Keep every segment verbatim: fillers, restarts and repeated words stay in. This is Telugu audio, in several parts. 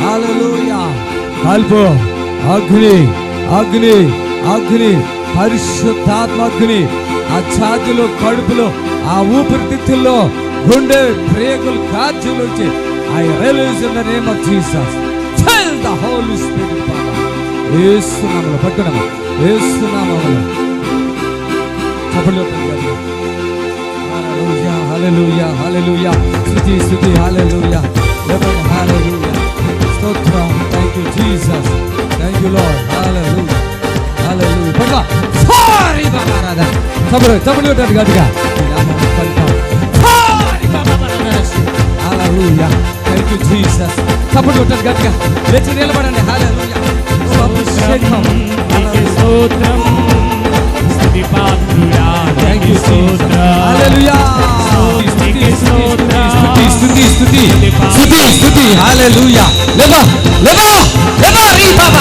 హల్లెలూయా. కాల్పు, అగ్ని అగ్ని అగ్ని, పరిశుద్ధాత్మ అగ్ని ఆ ఛాతీలో, కడుపులో, ఆ ఊపిరితిత్తుల్లో, గుండె ప్రేగులు కాల్చులు వచ్చి I release in the name of Jesus. Fill the Holy Spirit power. యేసు నామములో పట్టుకోండి. యేసు నామములో చప్పట్లు కొట్టండి. హల్లెలూయా హల్లెలూయా హల్లెలూయా. స్తుతి స్తుతి హల్లెలూయా. Eleven hallelujah. స్తోత్రం. Thank you Jesus. Thank you Lord. Hallelujah hallelujah. పట్టుకో. సారీ బాబా రాదా. చప్పట్లు చప్పట్లు కొట్టండి గట్టిగా. నామములో పట్టుకో. సారీ బాబా రాదా. హల్లెలూయా. Thank you Jesus. చప్పట్లు కొట్టండి గట్టిగా. లేచి నిలబడండి. హల్లెలూయా. అభిషేకం. స్తోత్రం. స్తుతి పాత్రుడా. థాంక్ యూ స్తోత్రం. హల్లెలూయా. స్తుతి స్తుతి స్తుతి స్తుతి స్తుతి స్తుతి. హల్లెలూయా. లేవా లేవా లేవా రీ బాబా.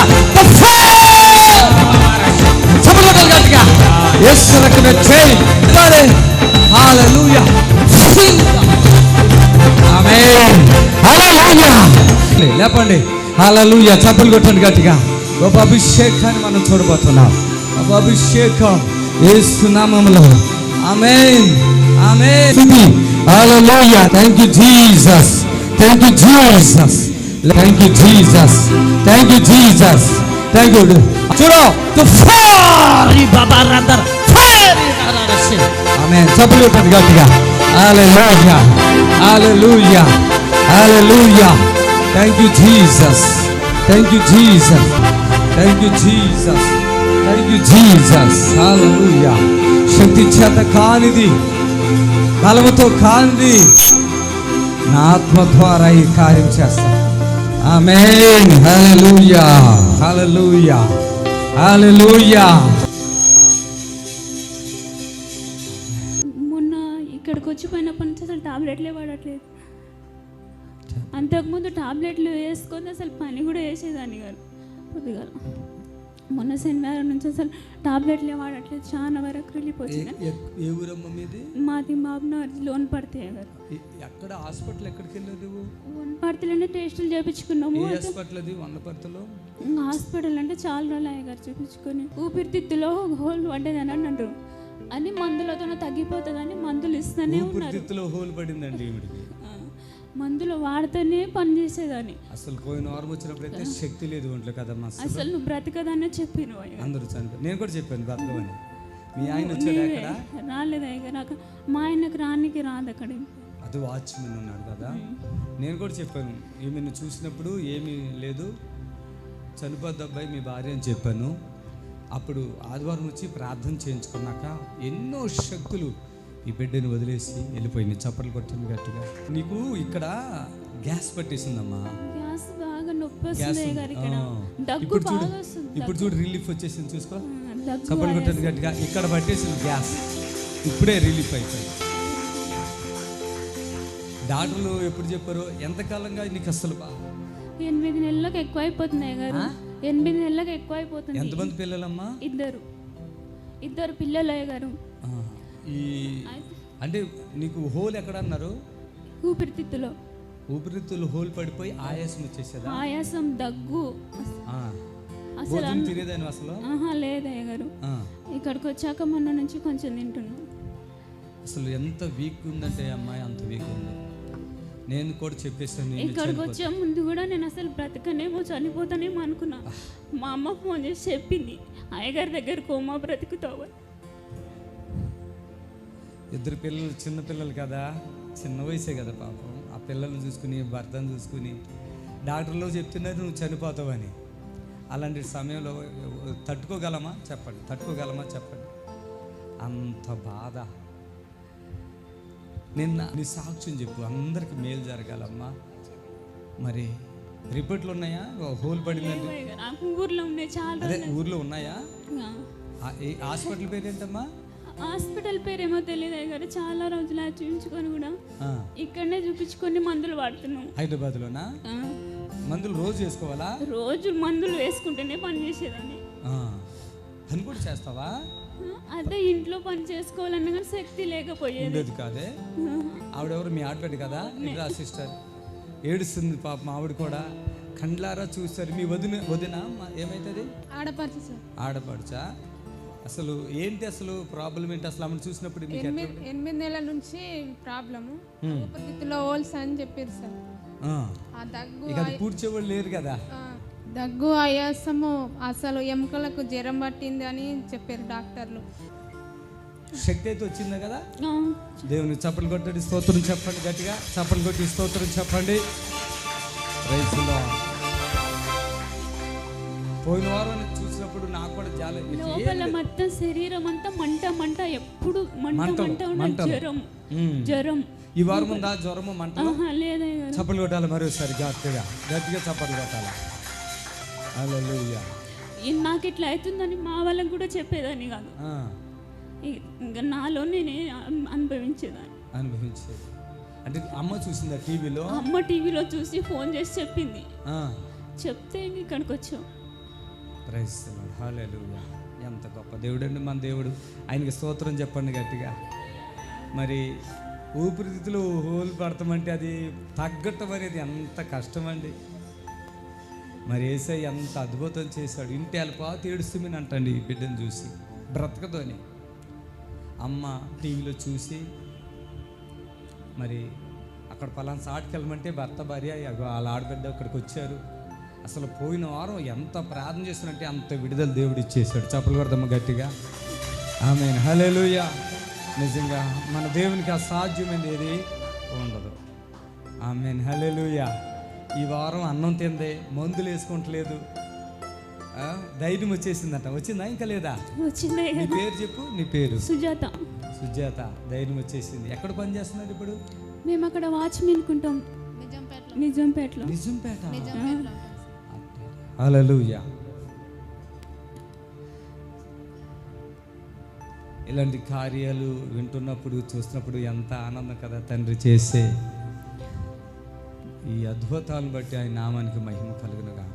చప్పట్లు కొట్టండి గట్టిగా. యేసు రక్తమే చేయి. హల్లెలూయా. ఆమేన్. హల్లెలూయా. లేపండి. హల్లెలూయా. చప్పట్లు కొట్టండి గట్టిగా. గొప్ప అభిషేకాన్ని మనం చూడబోతున్నాం. గొప్ప అభిషేకం యేసు నామములో. Amen amen. Hallelujah. Thank you Jesus. Thank you Jesus. Thank you Jesus. Thank you Jesus. Thank you. చూడు తుఫారి బాబా రదర్ ఫైరి నరసి. ఆమేన్. చప్పట్లు కొట్టండి గట్టిగా. Hallelujah hallelujah hallelujah. Thank you Jesus. Thank you Jesus. Thank you Jesus. Thank you Jesus. Hallelujah. శక్తి చేత కానిది, బలముతో కానిది, నా ఆత్మ ద్వారా ఈ కార్యం చేస్తా. ఆమేన్. హల్లెలూయా హల్లెలూయా హల్లెలూయా. మొన్న ఇక్కడికి వచ్చిపోయినప్పటి నుంచి అసలు టాబ్లెట్లే వాడట్లేదు. అంతకుముందు టాబ్లెట్లు వేసుకొని అసలు పని కూడా వేసేదాన్ని గారు. కొద్దిగా మొన్న శనివారం నుంచి అసలు టాబ్లెట్లే వాడట్లేదు. చాలా వరకు రిలీఫ్ వచ్చింది. ఏ ఊరమ్మ మీది? మాది బాబునగర్ లోన్ పడితే గారు. ఎక్కడ హాస్పిటల్ ఎక్కడికి వెళ్ళదు? లోన్ పడితేనే టెస్టులు చేయించుకున్నాము. హాస్పిటల్ అది వన్నపర్తిలో. హాస్పిటల్ అంటే చాలా రోజులు అయ్యాయి గారు చూపించుకొని. ఊపిరితిత్తులో హోల్ పడ్డదని అన్నారు. అని మందులతో తగ్గిపోతుందని మందులు ఇస్తూనే ఉన్నారు. ఊపిరితిత్తులో హోల్ పడిందండి. మందులు వాడితేనే పని చేసేదాన్ని. అసలు పోయిన వారం వచ్చినప్పుడు అయితే శక్తి లేదు ఒంట్లో కదమ్మా. అసలు నువ్వు బ్రతకదానే చెప్పిను. అందరూ చనిపోయి నేను కూడా చెప్పాను బ్రతకమని. మీ ఆయన వచ్చాడు అక్కడ? రాలేదు అయ్యా నాకు. మా ఆయనకు రానికి రాదు అక్కడ. అది వాచ్మెన్ ఉన్నాడు కదా. నేను కూడా చెప్పాను, ఈమెను చూసినప్పుడు ఏమీ లేదు, చనిపోద్ది అబ్బాయి మీ భార్య అని చెప్పాను. అప్పుడు ఆదివారం వచ్చి ప్రార్థన చేయించుకున్నాక ఎన్నో శక్తులు ఈ బిడ్డని వదిలేసి వెళ్ళిపోయింది. చప్పట్లు కొట్టింది గట్టిగా. నీకు ఇక్కడ గ్యాస్ పట్టేసిందమ్మా. గ్యాస్ బాగా నొప్పి వస్తుంది గారు. ఇక్కడ దగ్గు ఇప్పుడు చూడు, బాగా వస్తుంది. ఇప్పుడు చూడు రిలీఫ్ వచ్చేసింది చూసుకో. దగ్గు చప్పట్లు కొట్టింది గట్టిగా. ఇక్కడ పట్టేసింది గ్యాస్, ఇప్పుడే రిలీఫ్ అయిపోయింది. డాక్టర్లు ఎప్పుడు చెప్పారు ఎంతకాలంగా నీకు అసలు ఎనిమిది నెలలకు ఎక్కువ అయిపోతున్నాయి గారు. ఎనిమిది నెలలకు ఎక్కువ అయిపోతుంది. ఎంతమంది పిల్లలమ్మా? ఇద్దరు ఇద్దరు పిల్లలు అయ్య గారు. ఈ అంటే నీకు హోల్ ఎక్కడ అన్నారు? ఊపిరితిత్తులో. ఊపిరితిత్తులు హోల్ పడిపోయి ఆయాసం వచ్చేసేదా? ఆయాసం, దగ్గు. అసలు తినేదాన్ని అసలు? ఆహా లేదయ్య గారు. ఇక్కడికి వచ్చాక మొన్న నుంచి కొంచెం తింటున్నాను. అసలు ఎంత వీక్ ఉందంటే అమ్మాయి అంత వీక్ ఉంది. నేను కూడా చెప్పేసాను. ఇక్కడికి వచ్చే ముందు కూడా నేను అసలు బ్రతకనేమో చనిపోతానేమో అనుకున్నా. మా అమ్మ ఫోన్ చేసి చెప్పింది అయ్యగారి దగ్గర కోమా బ్రతుకుతావు. ఇద్దరు పిల్లలు చిన్న పిల్లలు కదా, చిన్న వయసే కదా పాపం. ఆ పిల్లల్ని చూసుకుని భర్తను చూసుకుని డాక్టర్లు చెప్తున్నారు నువ్వు చనిపోతావని. అలాంటి సమయంలో తట్టుకోగలమా చెప్పండి? తట్టుకోగలమా చెప్పండి? అంత బాధ. నిన్న నీ సాక్ష్యం చెప్పు, అందరికి మేలు జరగాలమ్మా. మరి రిపోర్ట్లు ఉన్నాయా? హోల్ పడిందంటే ఊర్లో ఉన్నాయి చాలా. అదే ఊర్లో ఉన్నాయా? హాస్పిటల్ పేరు ఏంటమ్మా? హాస్పిటల్ పేరేమో తెలియదు గారు. చాలా రోజులు చూపించుకొని కూడా ఇక్కడనే చూపించుకొని మందులు వాడుతున్నాం. హైదరాబాద్ లోనా? మందులు రోజు వేసుకోవాలా? రోజు మందులు వేసుకుంటేనే పని చేసేదాన్ని. పని కూడా చేస్తావా? అదే ఇంట్లో పని చేసుకోవాలన్నా కానీ శక్తి లేకపోయేది కాదే. ఆవిడెవరు? మీ ఆడబిడ్డ కదా? సిస్టర్ ఏడుస్తుంది పాప. ఆవిడ కూడా కండ్లారా చూశారు. మీ వదిన వదిన ఏమైతుంది? ఆడపడుచు సార్. ఆడపడుచా? అసలు ఏంటి అసలు ప్రాబ్లం ఏంటి అసలు ఆమెను చూసినప్పుడు మీకు? ఎనిమిది ఎనిమిది నెలల నుంచి ప్రాబ్లము, ఊపిరితిత్తులో హోల్స్ అని చెప్పారు సార్. ఆ దగ్గు ఇక అది పూడ్చేవాళ్ళు లేరు కదా. ఆ, దగ్గు ఆయాసము, అసలు ఎముకలకు జ్వరం పట్టింది అని చెప్పారు డాక్టర్లు. శక్తి అయితే వచ్చిందా కదా? ఆ, దేవుని చప్పలు కొట్టండి, స్తోత్రం చెప్పండి, గట్టిగా చప్పలు కొట్టి స్తోత్రం చెప్పండి. Praise the Lord. పోయిన వారం చూసినప్పుడు నాకు కూడా చాలా లోపల మొత్తం శరీరం అంతా మంట మంట, ఎప్పుడు మంట మంటలు, మంట ఉన్న మంటలు. జ్వరం ఉమ్. జ్వరం. ఈ వారం ఉందా జ్వరము మంట? ఆహా, లేదయ్య గారు. చప్పలు కొట్టాలి మరోసారి గట్టిగా గట్టిగా చప్పలు కొట్టాలి. హల్లెలూయా. ఈ- నాకు ఇట్లా అవుతుందని మా వాళ్ళకి కూడా చెప్పేదాన్ని కాదు. ఆ, ఇ- ఇంకా నాలో నేనే అన్- అనుభవించేదాన్ని. అనుభవించేది అంటే అమ్మ చూసిందా టీవీలో? అమ్మ టీవీలో చూసి ఫోన్ చేసి చెప్పింది. ఆ, చెప్తే ఇంక ఇక్కడికి వచ్చాం. Praise the Lord. హల్లెలూయా. ఎంత గొప్ప దేవుడు అండి మన దేవుడు. ఆయనకి స్తోత్రం చెప్పండి గట్టిగా. మరి ఊపిరితిత్తులు హోల్ పడతామంటే అది తగ్గటం అనేది ఎంత కష్టం అండి. మరి యేసయ్య ఎంత అద్భుతం చేశాడు. ఇంటి అల్పాత ఏడుస్తుమని అంటండి ఈ బిడ్డను చూసి, బ్రతకతోని. అమ్మ టీవీలో చూసి మరి అక్కడ పలానా సాటికి వెళ్ళమంటే భర్త భార్య వాళ్ళ ఆడబిడ్డ అక్కడికి వచ్చారు. అసలు పోయిన వారం ఎంత ప్రార్థన చేస్తున్నట్టే అంత విడుదల దేవుడు ఇచ్చేసాడు. చప్పలు కొడదాము గట్టిగా. ఆమేన్. హల్లెలూయా. నిజంగా మన దేవునికి అసాధ్యమైనది ఏది ఉండదు. ఆమేన్. హల్లెలూయా. ఈ వారం అన్నం తిందే, మందులు వేసుకుంటలేదు, ఆ, ధైర్యం వచ్చేసిందట. వచ్చిందా ఇంకా లేదా? వచ్చిందే నీ పేరు చెప్పు. నీ పేరు? సుజాత. సుజాత. ధైర్యం వచ్చేసింది. ఎక్కడ పని చేస్తున్నారు ఇప్పుడు? మేము అక్కడ వాచ్మెన్ కుంటాం నిజంపేటలో. నిజాంపేటలో. నిజంపేట. నిజంపేటలో. హల్లెలూయా. ఇలాంటి కార్యాలు వింటున్నప్పుడు చూస్తున్నప్పుడు ఎంత ఆనందం కదా. తండ్రి చేసే ఈ అద్భుతాలను బట్టి ఆయన నామానికి మహిమ కలుగునుగా.